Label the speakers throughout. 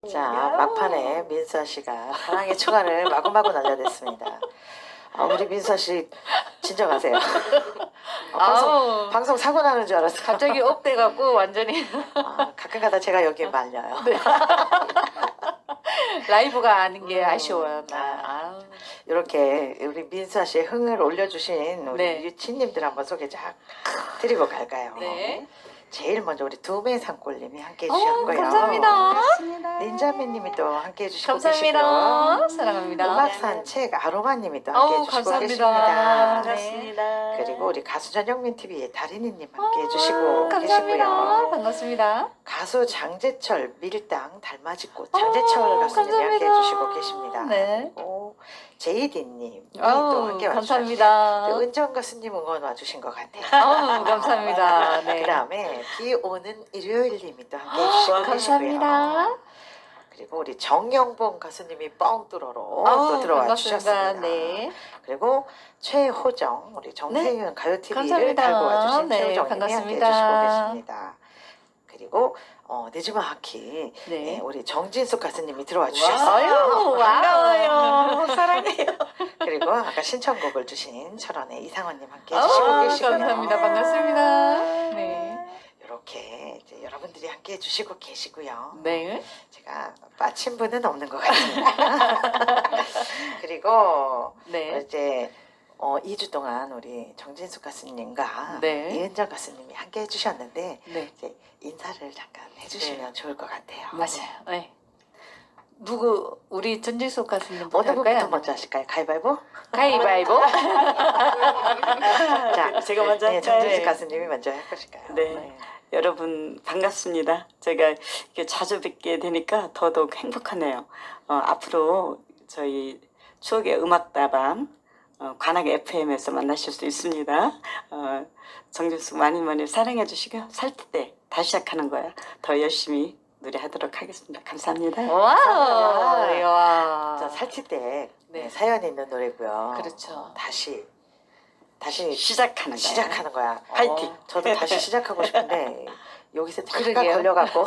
Speaker 1: 자, 막판에 민수아 씨가 사랑의 초간을 마구마구 날려댔습니다. 우리 민수아 씨 진정하세요. 방송 사고 나는 줄 알았어요.
Speaker 2: 갑자기 업돼갖고 완전히
Speaker 1: 가끔가다 제가 여기 말려요.
Speaker 2: 네. 라이브가 아닌 게 아쉬워요. 아우.
Speaker 1: 이렇게 우리 민수아 씨의 흥을 올려주신 우리
Speaker 2: 네.
Speaker 1: 유치님들 한번 소개 쫙 드리고 갈까요?
Speaker 2: 네.
Speaker 1: 제일 먼저 우리 두메 산골님이 함께 해주셨고요.
Speaker 2: 감사합니다.
Speaker 1: 닌자매님이 또 함께 해주시고
Speaker 2: 감사합니다.
Speaker 1: 계시고요.
Speaker 2: 사랑합니다.
Speaker 1: 음악산책 아로마님이 또 함께 해주시고
Speaker 2: 감사합니다.
Speaker 1: 계십니다.
Speaker 2: 반갑습니다.
Speaker 1: 그리고 우리 가수 전영민 TV의 다리니님 함께 해주시고
Speaker 2: 감사합니다.
Speaker 1: 계시고요.
Speaker 2: 반갑습니다.
Speaker 1: 가수 장재철 밀당 달맞이꽃 장재철 가수님이 함께
Speaker 2: 감사합니다.
Speaker 1: 해주시고 계십니다.
Speaker 2: 네.
Speaker 1: 그리고 제이디님 또 함께 와주셨어요.
Speaker 2: 감사합니다.
Speaker 1: 또 은정 가수님 응원 와주신 것 같아요.
Speaker 2: 감사합니다. 네.
Speaker 1: 그 다음에 비 오는 일요일님이 또 함께 해주시고
Speaker 2: 감사합니다.
Speaker 1: 계시고요. 그리고 우리 정영봉 가수님이 뻥 뚫어로 또 들어와
Speaker 2: 반갑습니다.
Speaker 1: 주셨습니다.
Speaker 2: 네.
Speaker 1: 그리고 최호정 우리 정세윤 가요TV를
Speaker 2: 감사합니다.
Speaker 1: 달고 와주신
Speaker 2: 네,
Speaker 1: 최호정님이 함께
Speaker 2: 반갑습니다.
Speaker 1: 해주시고 계십니다. 그리고 네즈마 하키
Speaker 2: 네.
Speaker 1: 우리 정진숙 가수님이 들어와 주셨어요.
Speaker 2: 아유, 반가워요. 사랑해요.
Speaker 1: 그리고 아까 신청곡을 주신 철원의 이상원님 함께 해주시고 계시고요.
Speaker 2: 감사합니다. 반갑습니다. 네.
Speaker 1: 이렇게 이제 여러분들이 함께 해주시고 계시고요.
Speaker 2: 네.
Speaker 1: 제가 빠친 분은 없는 것 같습니다. 그리고
Speaker 2: 네.
Speaker 1: 이제 2주 동안 우리 정진숙 가수님과
Speaker 2: 네.
Speaker 1: 이은정 가수님이 함께 해주셨는데
Speaker 2: 네.
Speaker 1: 이제 인사를 잠깐 해주시면 좋을 것 같아요.
Speaker 2: 맞아요. 네. 누구 우리 전지숙 가수님부터
Speaker 1: 어느 분부터
Speaker 2: 할까요?
Speaker 1: 먼저 하실까요? 가위바위보?
Speaker 2: 가위바위보.
Speaker 1: 자,
Speaker 3: 제가 먼저
Speaker 1: 네,
Speaker 3: 할까요?
Speaker 1: 정진숙
Speaker 3: 네.
Speaker 1: 가수님이 먼저 해보실까요?
Speaker 3: 네. 여러분 반갑습니다. 제가 이렇게 자주 뵙게 되니까 더더욱 행복하네요. 앞으로 저희 추억의 음악다방 관악 FM에서 만나실 수 있습니다. 정진숙 많이 많이 사랑해 주시고요. 살 때 다시 시작하는 거야. 더 열심히 노래하도록 하겠습니다. 감사합니다.
Speaker 2: 와우. 와.
Speaker 1: 자, 살칠 때
Speaker 2: 네.
Speaker 1: 사연이 있는 노래고요.
Speaker 2: 그렇죠.
Speaker 1: 다시
Speaker 3: 시작하는 거야.
Speaker 1: 시작하는 거야.
Speaker 3: 화이팅.
Speaker 1: 저도 다시 시작하고 싶은데 여기서 잠깐
Speaker 2: 그러게요.
Speaker 1: 걸려갖고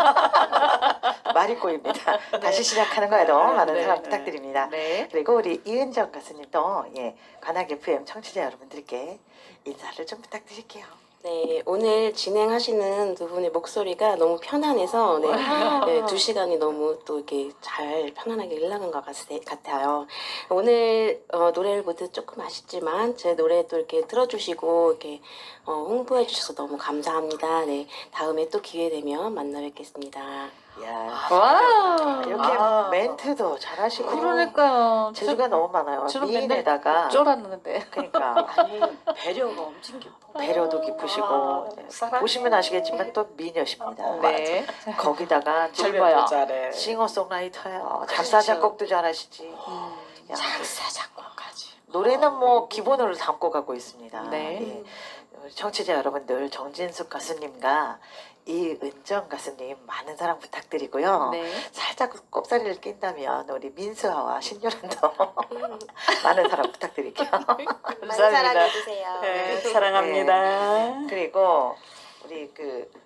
Speaker 1: 말이 꼬입니다. 다시 시작하는 거에도 많은
Speaker 2: 네,
Speaker 1: 사랑
Speaker 3: 네.
Speaker 1: 부탁드립니다.
Speaker 2: 네.
Speaker 1: 그리고 우리 이은정 가수님도 관악 FM 청취자 여러분들께 인사를 좀 부탁드릴게요.
Speaker 4: 네, 오늘 진행하시는 두 분의 목소리가 너무 편안해서 네, 2시간이 너무 또 이렇게 잘 편안하게 흘러간 것 같아요. 오늘 노래를 모두 조금 아쉽지만 제 노래도 이렇게 들어주시고 이렇게 홍보해 주셔서 너무 감사합니다. 네, 다음에 또 기회 되면 만나 뵙겠습니다.
Speaker 1: 이야,
Speaker 2: 와우.
Speaker 1: 이렇게 멘트도 잘하시고
Speaker 2: 그러니까요.
Speaker 1: 재주가 너무 많아요.
Speaker 2: 저는
Speaker 1: 미인에다가
Speaker 2: 쫄았는데.
Speaker 1: 그러니까
Speaker 3: 아니 배려가 엄청 깊어.
Speaker 1: 배려도 깊으시고
Speaker 3: 사랑해.
Speaker 1: 보시면 아시겠지만 또 미녀십니다.
Speaker 2: 네.
Speaker 1: 거기다가
Speaker 2: 젊어요.
Speaker 3: 잘해.
Speaker 1: 싱어송라이터예요. 작사 작곡도 잘하시지. 야,
Speaker 3: 작사 작곡까지.
Speaker 1: 노래는 뭐 기본으로 담고 가고 있습니다.
Speaker 2: 네.
Speaker 1: 예. 우리 청취자 여러분들 정진숙 가수님과 이은정 가수님 많은 사랑 부탁드리고요.
Speaker 2: 네.
Speaker 1: 살짝 꼽사리를 낀다면 우리 민수아와 신유란도 많은 사랑 부탁드릴게요.
Speaker 4: 많이 사랑해주세요.
Speaker 3: 네, 사랑합니다.
Speaker 1: 그리고 우리